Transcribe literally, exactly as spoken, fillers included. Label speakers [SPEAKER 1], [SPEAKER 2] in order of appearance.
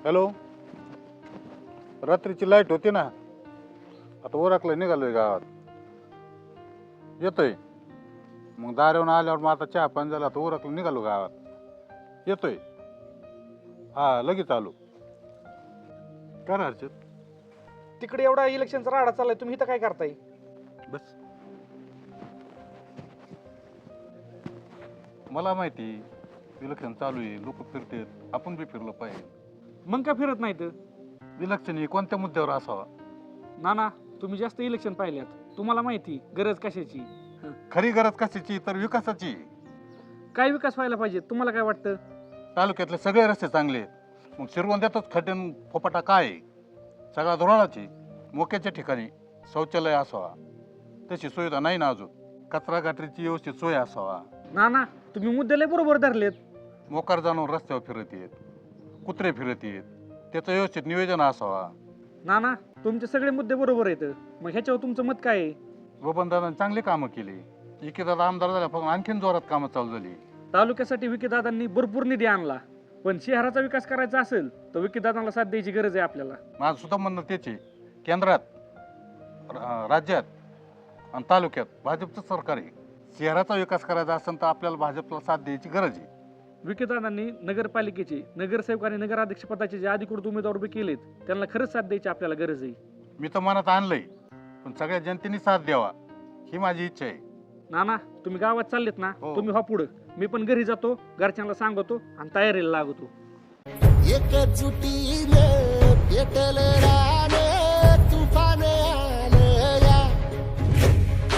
[SPEAKER 1] Hello, रात्रीची light होती ना, आता ओरखलं निघालोय गावात. येतोय मग दारेवून आल्यावर मग आता चहा पाणी झाला, आता ओरखलं निघालो गावात. येतोय हा लगेच आलो. काय रे हर्षद?
[SPEAKER 2] तिकडे एवढा इलेक्शनचा राडा चाललाय, तुम्ही इथं काय करताय?
[SPEAKER 1] बस मला माहिती इलेक्शन चालू आहे, लोक फिरतेत, आपण बी फिरलं पाहिजे.
[SPEAKER 2] मग का फिरत नाहीत?
[SPEAKER 1] इलेक्शन हे कोणत्या मुद्द्यावर असावा?
[SPEAKER 2] ना ना तुम्ही जास्त इलेक्शन पाहिल्यात, तुम्हाला माहिती गरज कशाची.
[SPEAKER 1] खरी गरज कशाची तर विकासाची.
[SPEAKER 2] काय विकास व्हायला पाहिजे तुम्हाला काय वाटतं?
[SPEAKER 1] तालुक्यातले सगळे रस्ते चांगले आहेत, मग शिरवंद्यातच खड्डन फोपाटा काय आहे? सगळा धोरणाची. मोक्याच्या ठिकाणी शौचालय असावा, तशी सुविधा नाही ना अजून. कचरा गाठीची व्यवस्थित सोय असावा.
[SPEAKER 2] ना ना तुम्ही मुद्द्याला बरोबर धरलेत.
[SPEAKER 1] मोकार जाणून रस्त्यावर फिरत येत, कुत्रे फिरत येत, त्याचं व्यवस्थित नियोजन असावा.
[SPEAKER 2] ना ना तुमचे सगळे मुद्दे बरोबर आहेत, मग ह्याच्यावर तुमचं मत काय आहे?
[SPEAKER 1] बबनदादांनी चांगली कामं केली. इकेदादा आमदार झाल्यापासून आणखीन जोरात कामं चालू झाली.
[SPEAKER 2] तालुक्यासाठी विकीदादांनी भरपूर निधी आणला, पण शहराचा विकास करायचा असेल तर विकीदादांना साथ द्यायची गरज आहे आपल्याला.
[SPEAKER 1] माझं सुद्धा म्हणणं तेच आहे. केंद्रात, रा- राज्यात आणि तालुक्यात भाजपचं सरकार आहे. शहराचा विकास करायचा असेल तर आपल्याला भाजपला साथ द्यायची गरज आहे.
[SPEAKER 2] विकीदादांनी नगरपालिकेचे नगरसेवक आणि नगराध्यक्ष पदाचे जे अधिकृत उमेदवार उभे केलेत त्यांना खरंच साथ द्यायची आपल्याला गरज आहे.
[SPEAKER 1] मी तर मनात आणलंय, पण सगळ्या जनतेने साथ द्यावा ही माझी इच्छा आहे.
[SPEAKER 2] नाना तुम्ही गावात चाललेत ना,
[SPEAKER 1] हो.
[SPEAKER 2] तुम्ही हा पुढं, मी पण घरी जातो, घरच्यांना सांगतो आणि तयारीला लागतो.
[SPEAKER 3] एकजुटीने पेटल रान